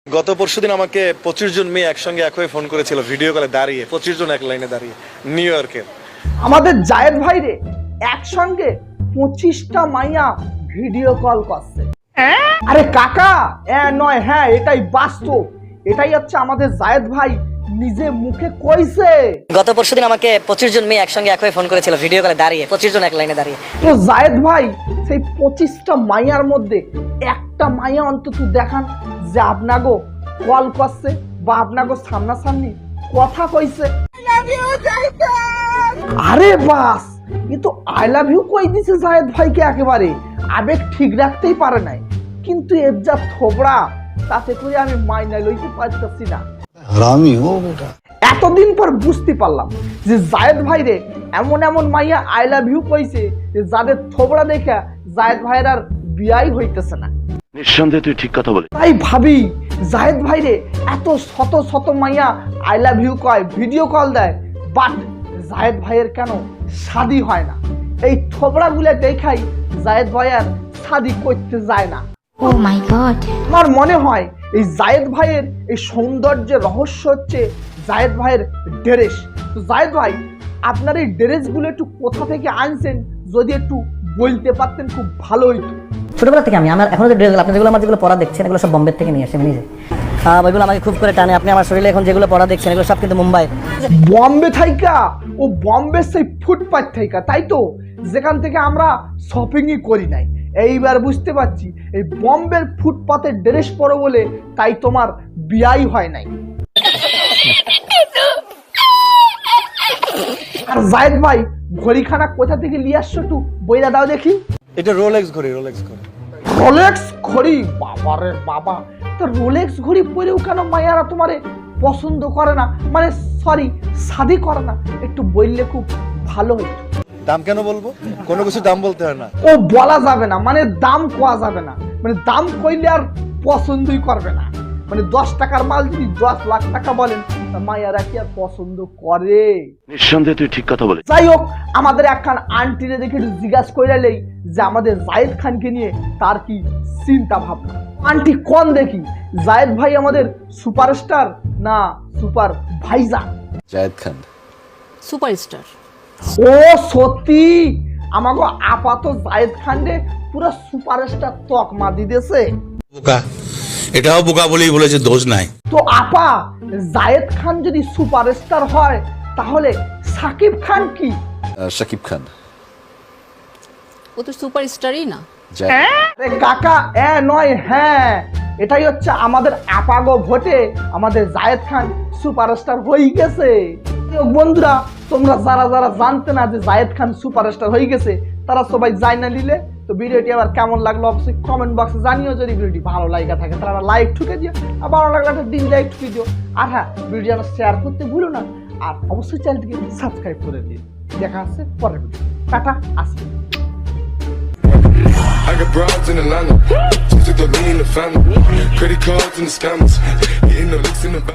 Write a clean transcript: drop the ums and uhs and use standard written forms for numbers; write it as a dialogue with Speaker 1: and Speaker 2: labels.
Speaker 1: গত পরশুদিন আমাকে 25 জন মেয়ে একসঙ্গে একই ফোন করেছিল ভিডিও কলে দাঁড়িয়ে, 25 জন এক লাইনে দাঁড়িয়ে নিউ ইয়র্কের।
Speaker 2: আমাদের জায়েদ ভাই রে একসঙ্গে 25টা মাইয়া ভিডিও কল করছে। আরে কাকা নয়, হ্যাঁ এটাই বাস্তব, এটাই হচ্ছে আমাদের জায়েদ ভাই নিজে মুখে কইছে।
Speaker 3: গত পরশুদিন আমাকে 25 জন মেয়ে একসঙ্গে একই ফোন করেছিল ভিডিও কলে দাঁড়িয়ে, 25 জন এক লাইনে দাঁড়িয়ে।
Speaker 2: তো জায়েদ ভাই সেই 25টা মাইয়ার মধ্যে একটা মাইয়া অন্তত দেখান যে আপনাগো কল করছে বা আপনাগো সামনাসামনি কথা কইছে। আরে বাস, এ তো আই লাভ ইউ কই দিছে জায়েদ ভাইকে, একেবারে আবেগ ঠিক রাখতেই পারে নাই। কিন্তু এর যা থোবড়া, তাতে করে আমি মাইনা লইতে পারতেছি না।
Speaker 4: হারামি ও বেটা।
Speaker 2: এতদিন পর বুঝতে পারলাম যে জায়েদ ভাই রে এমন এমন মাইয়া আই লাভ ইউ কইছে যে যাদের থোবড়া দেখা জায়েদ ভাইয়ের আর বিয়াই হইতেছে না।
Speaker 5: নিঃসন্দেহে তুই ঠিক কথা বলে।
Speaker 2: তাই ভাবি জায়েদ ভাই রে এত শত শত মাইয়া আই লাভ ইউ কয়, ভিডিও কল দেয়, বাট জায়েদ ভাইয়ের কেন শাদি হয় না? এই থোবড়াগুলো দেখাই জায়েদ ভাই আর শাদি করতে যায় না।
Speaker 6: Oh my god.
Speaker 2: আমার মনে হয় এই জায়েদ ভাইয়ের এই সৌন্দর্যের রহস্য হচ্ছে জায়েদ ভাইয়ের ড্রেস। তো জায়েদ ভাই, আপনার এই ড্রেসগুলো একটু কোথা থেকে আনছেন যদি একটু বলতে পারতেন খুব ভালো হইতো।
Speaker 3: ছোটবেলা থেকে আমার এখনো যে ড্রেসগুলো আপনি যেগুলো আমার যেগুলো পড়া দেখছেন এগুলো সব বোম্বে থেকে নিয়ে আসে আমি নিজে। ওইগুলো আমাকে খুব করে টানে। আপনি আমার শরীরে এখন যেগুলো পড়া দেখছেন এগুলো সব কিন্তু মুম্বাই।
Speaker 2: বম্বে থাইকা, ও বম্বে সেই ফুটপাথ থাইকা, তাই তো, যেখান থেকে আমরা শপিংই করি নাই। এইবার বুঝতে পারছি এই বম্বের ফুটপাতের ড্রেস পরো বলে তাই তোমার বিয়াই হয় নাই। আর জায়েদ ভাই ঘড়িখানা কোথা থেকে নিয়ে আসছো একটু বইরা দাও দেখি।
Speaker 1: এটা রোলেক্স ঘড়ি, রোলেক্স ঘড়ি।
Speaker 2: রোলেক্স ঘড়ি? বাবারে বাবা, তো রোলেক্স ঘড়ি পরেও কেন মায়ারা তোমারে পছন্দ করে না, মানে সরি শাদি করে না? একটু বললে খুব ভালো হতো।
Speaker 1: দাম কেন বলবো? কোনো কিছু দাম বলতে হয় না।
Speaker 2: ও বলা যাবে না, মানে দাম কোয়া যাবে না, মানে দাম কইলে আর পছন্দই করবে না। মানে 10 টাকার মাল যদি 10 লাখ টাকা বলেন তা মায়ারা কি আর পছন্দ করে?
Speaker 5: নিঃসন্দেহে তুই ঠিক কথা বলে।
Speaker 2: যাই হোক, আমাদের একখান আন্টিরে দেখে একটু জিজ্ঞাসা কইরালেই যে আমাদের জায়েদ খানকে নিয়ে তার কি চিন্তা ভাবনা। আন্টি কোন দেখি, জায়েদ ভাই আমাদের সুপারস্টার না সুপার ভাইজা?
Speaker 4: জায়েদ খান
Speaker 6: সুপারস্টার।
Speaker 2: ও সত্যি, আমাগো আপাত জায়েদ খান রে পুরো সুপারস্টার তকমা দিতেছে।
Speaker 7: বোকা, এটাও বোকা বলেই বলেছে, দোষ নাই।
Speaker 2: তো আপা, জায়েদ খান যদি সুপারস্টার হয় তাহলে সাকিব খান কি?
Speaker 4: শাকিব খান।
Speaker 6: ও তো সুপারস্টারই না।
Speaker 2: আরে কাকা নয়, হ্যাঁ এটাই হচ্ছে আমাদের আপাগো ভোটে আমাদের জায়েদ খান সুপারস্টার হয়ে গেছে। বন্ধুরা, তোমরা যারা যারা জানতে না যে জায়েদ খান সুপারস্টার হয়ে গেছে তারা সবাই জানা নিলে। তো ভিডিওটি আবার কেমন লাগলো অবশ্যই কমেন্ট বক্সে জানিও। যদি ভিডিওটি ভালো লাগা থাকে তাহলে লাইক ঠুকে দিও, আর ভালো লাগলে একটা ডিসলাইক ঠুকে দিও। আর হ্যাঁ, ভিডিও যেন শেয়ার করতে ভুলো না, আর অবশ্যই চ্যানেলটিকে সাবস্ক্রাইব করে দিও। দেখা হচ্ছে পরের ভিডিও। টাটা, আসি।
Speaker 8: I got broads in Atlanta, just took the lean in the family, credit cards and the scammers, getting the licks in the back.